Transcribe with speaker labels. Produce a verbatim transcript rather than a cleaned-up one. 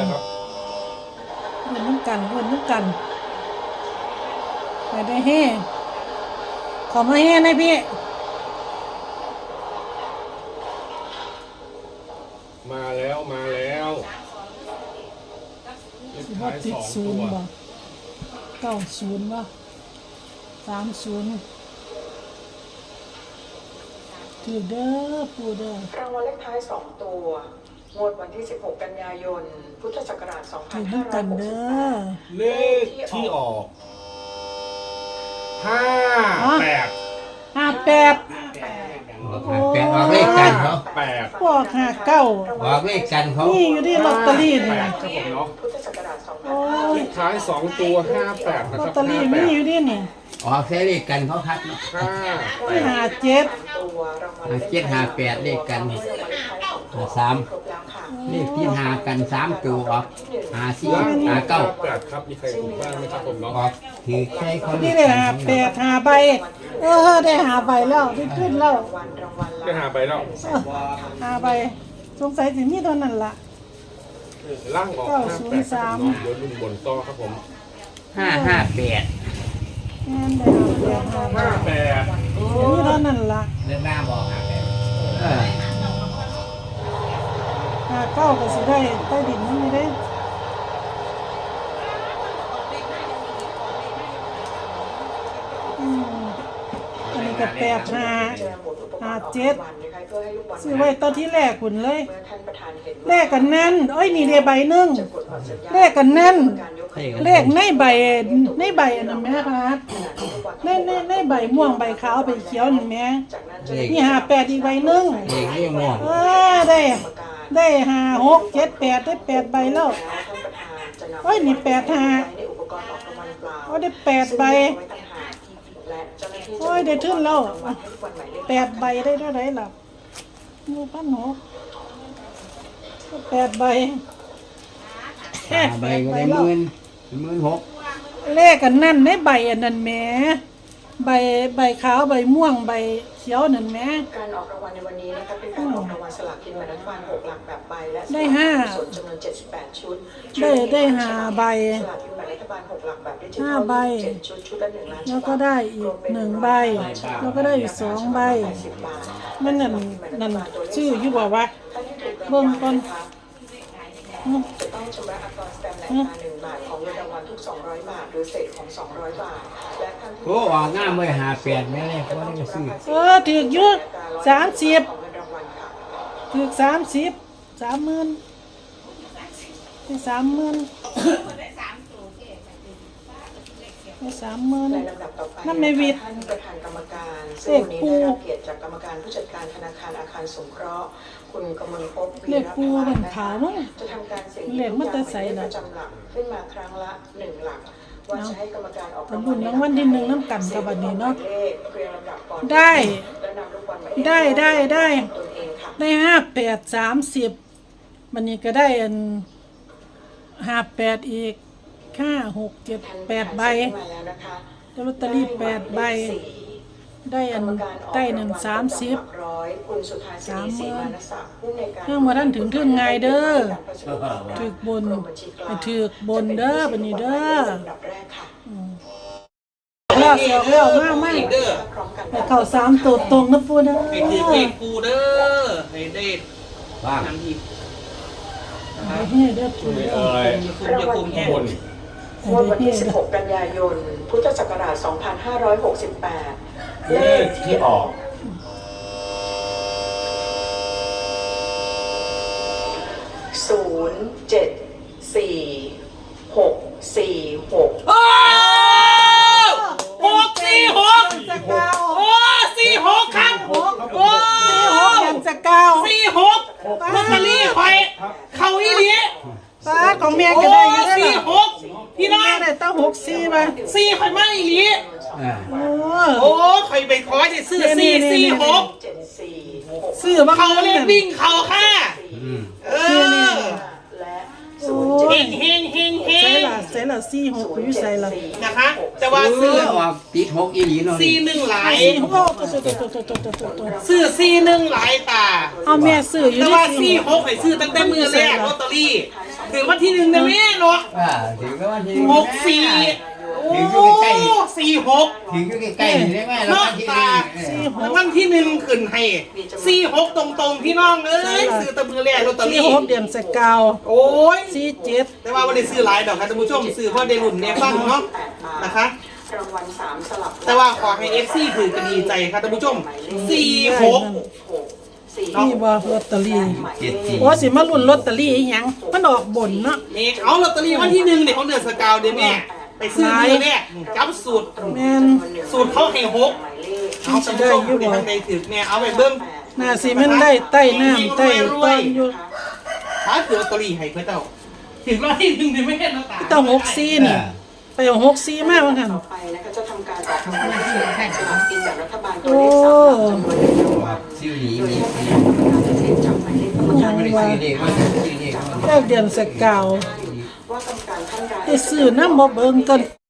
Speaker 1: เงินน้ำกันเงินน้ำกันไปได้แห่ขอมาแห่นะพี่
Speaker 2: มาแล้วมาแล้วเลขท้ายสองตัว
Speaker 1: เก้าศูนย์วะสามศูนย์ถือเด้อปูเด้อ
Speaker 3: รางวัลเลขท้ายสองตัวงวดวันที่สิบหกกันยายนพุทธศักราชสองพันห้าร้อยหกสิบแปด
Speaker 2: เลขที่ออกห้าแปด
Speaker 1: ห้าแปด
Speaker 4: แปดออกเลขกันเขา
Speaker 2: แปด
Speaker 1: พวกห้าเก้า
Speaker 4: ออกเลขกันเขา
Speaker 1: นี่อยู่ที่ลอตเตอรี่นี่
Speaker 2: ครับผมเนาะ
Speaker 3: พุทธศักราชสองพัน
Speaker 1: โอ้
Speaker 2: เลย ขท้ายสองตัวห้าแปดนะ
Speaker 1: ลอ
Speaker 2: ครั
Speaker 1: ต
Speaker 2: บ
Speaker 1: เตอรี่มีอยู่ที่นี่
Speaker 4: ออกใช้เลขกันเขาคัดเนาะ
Speaker 2: ห้า
Speaker 1: ที่ห้าเจ็ด
Speaker 4: ห้าเจ็ดห้าแปดเลขกันห้าสามเลขที่หากันสามตัวออกหาสี่หาเก้า
Speaker 2: แปดครับมีใครถูกบ้างไหมครับผมเนาะ
Speaker 4: ออกถือใช้เขา
Speaker 1: นี่ได้หาแปดหาใบเออได้หาใบแล้วได้ขึ้นแล้ว
Speaker 2: ได้หาไปแล้ว
Speaker 1: หาใบสงสัยสิมีเท่านั้นล่ะ
Speaker 2: ล่างออกห้าแปดครับผมเดี๋ยวลุงบนต่อครับผม
Speaker 4: ห้าห้าแปด
Speaker 1: แม่นได้หาแปดหาใบ
Speaker 2: ห้าแปด
Speaker 1: มีเท่านั้นล่ะ
Speaker 4: เรื่องหน้าบอกหาแปดเออ
Speaker 1: หาเก้าก็สิได้ใต้ดินนั่นไม่ได้อันนี้ก็แปดหาหาเจ็ดซื้อไว้ตอนที่แรกคุณเลยแรกกันนั่นโอ้ยนี่เดียใบหนึ่งแรกกันนั่นเลขในใบในใบอันนั้นแม่ครับในในในใบม่วงใบขาวใบเขียวนั่นแม่นี่หาแปดอีกใบหนึ่ง
Speaker 4: เลขนี่ม่วง
Speaker 1: เออได้ได้หาหกเจ็ดแปดได้แปดใบแล้วโอ้ยนี่แปดหาโอ้ได้แปดใบโอ้ยได้ทึ่นแล้วแปดใบได้เท่าไหร่ล่ะมูพันหกแปดใบ
Speaker 4: ใบก็ได้หมื่นหมื่นหก
Speaker 1: เลขกันนั่นในใบอันนั้นแหมใบใบขาวใบม่วงใบเขียวนั่นแหม
Speaker 3: การออกรางวัลในวันนี้นะคะเป็นการออกรางวัลสลากกินแบ่งรัฐบาลหกหลักแบบใบและ
Speaker 1: ได้ห้า
Speaker 3: ส่วนจำนวนเจ็ดสิบแปดชุด
Speaker 1: ได้ได้ห้าใบ
Speaker 3: สลากกินแบ่งรัฐบาลหกหลักแบบดิจิทัล
Speaker 1: ห้าใบ
Speaker 3: ชุดชุดละหนึ่งล้าน
Speaker 1: แล้วก็ได้อีกหนึ่งใบแล้วก็ได้อีกสองใบมันนั่นนั่นชื่ออยู่บอกว่าเบิ่งก่อน
Speaker 3: จะต้องชำระอัตราสแตมป์ในอัตราหนึ่งบาทของเงินรางวัลทุกสองร้อยบาทหรือเศษของสองร้อยบาทและท่าน
Speaker 4: โอ้ออกง่ายเลยหาแปดแม่เลยเขาได้ซื้อ
Speaker 1: เออถือเยอะสามสิบถือสามสิบสามหมื่นได้สามหมื่นได้สามหมื่น
Speaker 3: ในลำดับต่อไป
Speaker 1: นั่นไม่วิทย์
Speaker 3: ท่านประธานกรรมการซึ่งวันนี้ได้รับเกียรติจากกรรมการผู้จัดการธนาคารอาคารสงเคราะห์คุณกมลภพวีรพันธ์นะคะจะทำการเสี่ยงหยิบลูกยางหมายเลขประจำหลักขึ้นมาครั้งละหนึ่งหลักว่าจะให้กรรมการออก
Speaker 1: รางวัลรางวัลที่หนึ่งน้ำกันกับบัดนี้เนาะได้ได้ได้ได้ได้ห้าแปดสามสิบวันนี้ก็ได้อันห้าแปดอีกห้าหกเจ็ดแปดใบได้ลอตเตอรี่แปดใบได้อันได้หนึ่งสามสิบสามหมื่นเรื่องมาท่านถึงถึงไงเด้อถึกบนถึกบนเด้อบันนี้เด้อแล้วเสียวแล้วมากมากแต่เข่าสามตัวตรงนะปูเด้อ
Speaker 5: ไอ้ถือเลขปูเด้อไอ้เด็ด
Speaker 4: ว่าง
Speaker 5: ทำที
Speaker 1: ไอ้เฮ้เด้อปูเด้อ
Speaker 5: อย่าคุมอย่าคุมแห้ง
Speaker 3: งวดวันที่สิบหกกันยายนพุทธศักราชสองพันห้าร้อยหกสิบแปด
Speaker 2: เลขที่ออก
Speaker 3: ศูนย์เจ็ดสี่หกสี่หก
Speaker 5: หกสี่หกโอ้สี่หกครับโอ้
Speaker 1: สี่หกยังจะเก้า
Speaker 5: สี่หกลอตเตอรี่ไข่เขาอีหลี
Speaker 1: ป้าของแม่ก็ได้ยังไง
Speaker 5: สี่หกพี่น้อง
Speaker 1: ได้ตั้งหกสี่มา
Speaker 5: สี่ไข่ไม่อีหลี
Speaker 1: โอ้
Speaker 5: โอ้ไข่ไปขอจะซื้อสี่สี่หก
Speaker 1: ซื้อมา
Speaker 5: เขาเล่นวิ่งเขาค่ะเออเฮงเฮงเฮงเฮง
Speaker 1: ใช่ล่ะใช่ล่ะสี่หกไปอยู่ใส่ล่ะ
Speaker 5: นะคะ แต่ว่า
Speaker 4: ซื้
Speaker 5: ซื้
Speaker 4: อ
Speaker 5: อ
Speaker 4: ออกติดหกอีหลีเนาะ
Speaker 5: สี่หนึ่งหลาย
Speaker 1: สี่หกตัวตัวตัวตัวตัวตัวตัว
Speaker 5: ซื้อสี่หนึ่งหลายตา
Speaker 1: เอาแม่ซื้ออยู่
Speaker 5: แต่
Speaker 1: ใน
Speaker 5: ว่า
Speaker 1: สี่
Speaker 5: สี่
Speaker 1: ห
Speaker 5: ห
Speaker 1: ก
Speaker 5: กให้ซื้อตั้งแต่มือแรกลอตเตอรี่ถึงวันที่หนึ่งนะแม่เนาะ
Speaker 4: อ่าถึงก็วันที่
Speaker 5: หกสี่โอ้สี่หก
Speaker 4: ถึงอยู่ใกล้ๆนี่ได้ไหมแล้ว
Speaker 5: นอ
Speaker 4: วั
Speaker 5: ก
Speaker 4: นที่
Speaker 5: ตา
Speaker 4: นี่
Speaker 5: แล้ววันที่หนึ่งขึ้นให้สี่หกตรงๆพี่น้องเอ้ยซื้อแตะมือแรกลอตเตอ
Speaker 1: สี่
Speaker 5: รี่
Speaker 1: หกเดือนสกาว
Speaker 5: โอ้ย
Speaker 1: สี่เจ็ด
Speaker 5: แต่ว่าวันนี้ซื้อหลายดอกครับท่านผู้ชมซื้อเพราะได้รุ่นเนี่ยฟังเนาะนะคะ
Speaker 3: รางวัลสามสลับ
Speaker 5: แต่ว่าขอให้เอฟซีถือกันดีใจครับท่านผู้ชมสี่หก
Speaker 3: สี่
Speaker 1: นี่บ่ลอตเตอรี่
Speaker 4: เจ็ดสี่
Speaker 1: โอ้สิมาลุ้นลอตเตอรี่อีหยังมันออกบนเนาะ
Speaker 5: นี่เอาลอตเตอรี่วันที่หนึ่งเนี่ยของเดือนสกาวเดี๋ยวแม่ไปซื้อมือเนี่ยจับสูตร
Speaker 1: แม่น
Speaker 5: สูตรเขาให้หกเอาท่านผู้ชมผู้ใดทางใดถือแม่เอาไปเบิ้ง
Speaker 1: น่าสิมันได้ใต้น้ำใต้ต้นอยู่
Speaker 5: ถ้าถือลอตเตอรี่ให้เพื่อเจ้าถึงวันที่หนึ่งเนี่ยไม่เห็นแล้วตา
Speaker 1: ต้องหกสี่นี่ไปเอาหกสี่มาว่าหั่น
Speaker 3: ต่อไปนะคะจะทำการออกรางวัลที่แทนสลากกินแบ่งรัฐบาลตัวเลขสามหลักจำนวนหนึ่งรางวัล
Speaker 4: ซิวหนี
Speaker 3: โดย
Speaker 4: มี
Speaker 3: ให้คณะกรรมการพิเศษจับหมายเลขกรรม
Speaker 1: ยั
Speaker 3: การ
Speaker 1: ง
Speaker 4: ไม่ได้
Speaker 1: ว่า
Speaker 4: ซื้อเด็กมันซื้อเด็กมัน
Speaker 1: แค่เดือนสกาว
Speaker 3: ว่ากรรมการท่านใด
Speaker 1: ได้ซื้อน้ำบ่เบิ่งกัน